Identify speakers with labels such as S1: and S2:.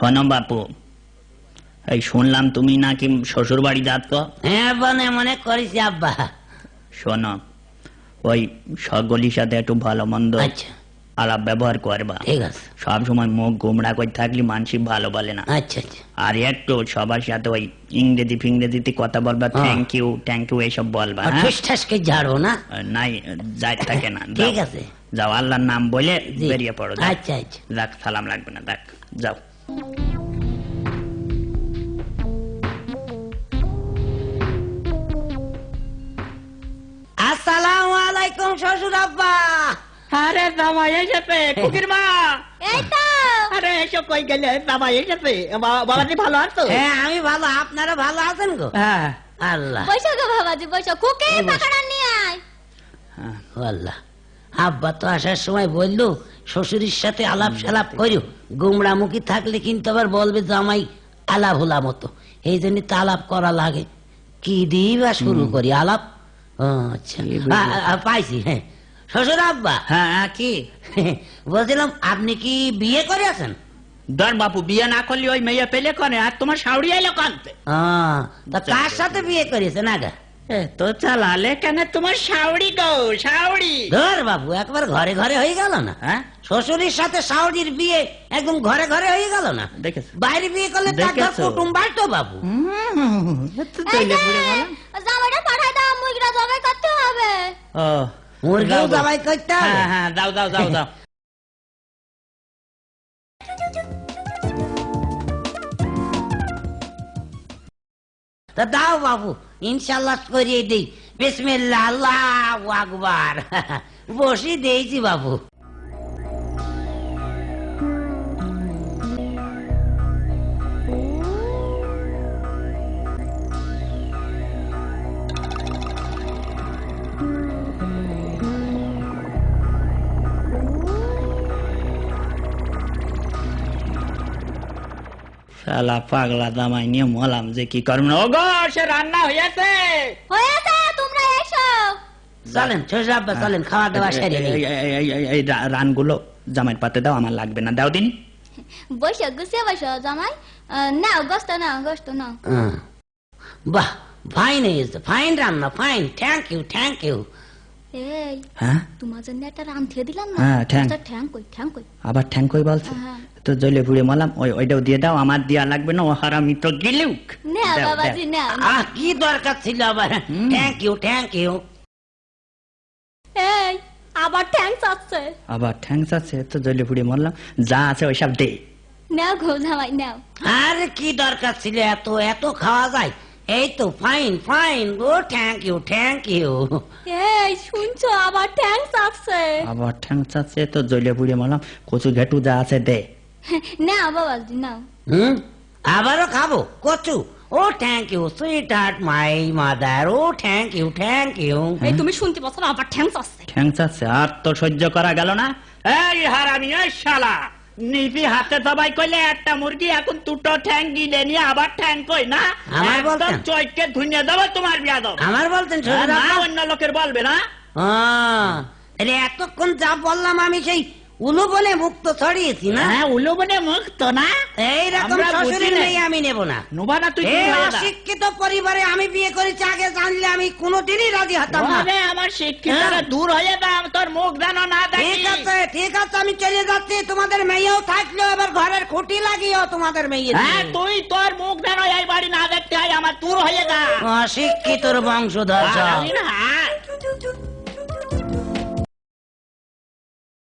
S1: শোনো বাপু, এই শুনলাম তুমি নাকি শ্বশুর বাড়ি যাচ্ছ?
S2: হ্যাঁ মনে মনে করিস আব্বা।
S1: শোনো, ওই সকলের সাথে একটু ভালো মন্দ
S2: আচ্ছা
S1: আলাপ ব্যবহার করবা,
S2: ঠিক আছে।
S1: সব সময় মুখ গুমরা করে থাকলে মানুষ ভালো বলে না।
S2: আচ্ছা আচ্ছা
S1: আর একটু সবার সাথে ওই ইংরেজি ফিংরেজিতে কথা বলবা, থ্যাংক ইউ এইসব বলবা।
S2: ঠুস ঠাসকে ঝাড়বো না,
S1: নাই যাই থাকে না।
S2: ঠিক আছে,
S1: যাও, আল্লাহর নাম বলে বেরিয়ে পড়ো।
S2: আচ্ছা আচ্ছা
S1: যাক, সালাম লাগবে না, দেখ যাও।
S2: আসসালামু আলাইকুম শ্বশুর আব্বা।
S1: আরে জামাই এসেছে, কুকির মা।
S3: এই তো।
S1: আরে এসো, কই গেলে? জামাই এসেছে। বাবাজি ভালো আছো?
S2: হ্যাঁ আমি ভালো, আপনারা ভালো আছেন গো?
S1: হ্যাঁ।
S2: আল্লাহ
S3: বসো গো বাবাজি, বসো। কুকে পাকাড়া নিয়ে আয়।
S2: আল্লাহ, আব্বা তো আসার সময় বললো শ্বশুরের সাথে আলাপ সালাপ করিও, গুমরামুখী থাকলে কিন্তু আবার বলবে জামাই আলাপ হলা মতো, এই জন্য তো আলাপ করা লাগে। কি দিয়ে বা শুরু করি আলাপ? আচ্ছা পাইছি। হ্যাঁ শ্বশুর আব্বা।
S1: হ্যাঁ কি
S2: বলছিলাম আপনি কি বিয়ে করে আছেন?
S1: ধর বাপু, বিয়ে না করলে ওই মেয়ে পেলে করে, আর তোমার শাউরি এলো কানতে।
S2: তা কার সাথে বিয়ে করেছেন আগা?
S1: তো চালালে কেন তোমার শাউরি গো, শাউরি।
S2: ধর বাবু, একবার ঘরে ঘরে হয়ে গেল না?
S1: হ্যাঁ,
S2: শ্বশুরের সাথে শাওরির বিয়ে একদম ঘরে ঘরে হয়ে গেল না?
S1: দেখেছ?
S2: বাইরে বিয়ে করলে তার ঘর কুটুম বাড়তো বাবু।
S3: জামাইটা পাঠাই দাও, মুরগিটা জবাই করতে হবে।
S2: মুরগিও জবাই করতে হবে?
S1: হ্যাঁ, দাও দাও দাও দাও।
S2: তা দাও বাবু, ইনশাল্লাহ করিয়ে দিই। বিসমিল্লাহ, আল্লাহু আকবার। বসি দিয়েছি বাবু।
S1: শালা পাগলা জামাই নিয়ে মলাম যে কি করব না। ওগো, সে রান্না হয়েছে।
S3: হয়েছে, তোমরা এসো।
S2: চলেন শ্বশুর আব্বা, চলেন খাওয়া দাওয়া সেরে নিই।
S1: এই রানগুলো জামাইয়ের পাতে দাও, আমার লাগবে না, দাও দিন।
S3: বসো, গুছিয়ে বসো জামাই। নাও গোস্ত, নাও গোস্ত নাও।
S2: বাহ, ফাইন হয়েছে, ফাইন রান্না, fine. Thank you, thank you.
S3: এই,
S1: হ্যাঁ
S3: তোমার জন্য একটা রান দিয়ে দিলাম না।
S1: হ্যাঁ, ঠ্যাং।
S3: ঠ্যাং কই, ঠ্যাং কই?
S1: আবার ঠ্যাং কই বলছে?
S3: হ্যাঁ।
S1: তো জলে পুড়ে মলাম, ওইটাও দিয়ে দাও, আমার দিয়া লাগবে না। ও হারামি তো গিলুক।
S3: নাও বাবাজি, নাও।
S2: কি দরকার ছিল আবার? Thank you, thank you.
S3: এই, আবার ঠ্যাং চাচ্ছে।
S1: আবার ঠ্যাং আছে? তো জলে পুড়ে মরলাম, যা আছে ওইসব দে।
S3: নাও গো জামাই, নাও।
S2: আরে কি দরকার ছিল এত এত খাওয়া যায়? এই তো ফাইন ফাইন গো, থ্যাংক ইউ, থ্যাংক ইউ।
S3: এই শুনছো, আবার ঠ্যাং চাচ্ছে।
S1: আবার ঠ্যাং আছে? তো জলে পুড়ে মরলাম, কচু ঘেটু যা আছে দে।
S3: নাও বাবাজি, নাও।
S2: আবারও খাবো কচু? ও thank you sweetheart my mother. ও থ্যাংক ইউ, থ্যাংক ইউ।
S3: এই তুমি শুনতে পাচ্ছ না, আবার ঠ্যাং চাচ্ছে।
S1: ঠ্যাং আছে? আর তো সহ্য করা গেল না। এই হারামি, এই শালা, নিজে হাতে সবাই কইলে একটা মুরগি, এখন দুটো ঠ্যাং গিলে নিয়ে আবার ঠ্যাং কই না?
S2: আমার বলতেন
S1: চৈকে ধুইয়ে দেবো তোমার বিয়াদব।
S2: আমার বলতেন
S1: না, অন্য লোকের বলবে না।
S2: এতক্ষণ যা বললাম আমি সেই উলুবনে মুক্ত ছড়িয়েছি না?
S1: হ্যাঁ, উলুবনে মুক্ত না।
S2: এইরকম শ্বশুরের মেয়ে আমি নেব না।
S1: নোবা না তুই?
S2: অশিক্ষিত পরিবারে আমি বিয়ে করেছি, আগে জানলে আমি কোনোদিনই রাজি হতাম না।
S1: আমার শিক্ষিতরা দূর হয়ে দাম, তোর মুখ যেন না দেখি।
S2: ঠিক আছে, ঠিক আছে, আমি চলে যাচ্ছি। তোমাদের মেয়েও থাকলেও এবার ঘরের খুঁটি লাগিও তোমাদের মেয়ে।
S1: হ্যাঁ, তুই তোর মুখ যেন এই বাড়ি না দেখতে হয়, আমার দূর হয়ে যা।
S2: অশিক্ষিতর বংশধর।
S1: হ্যাঁ।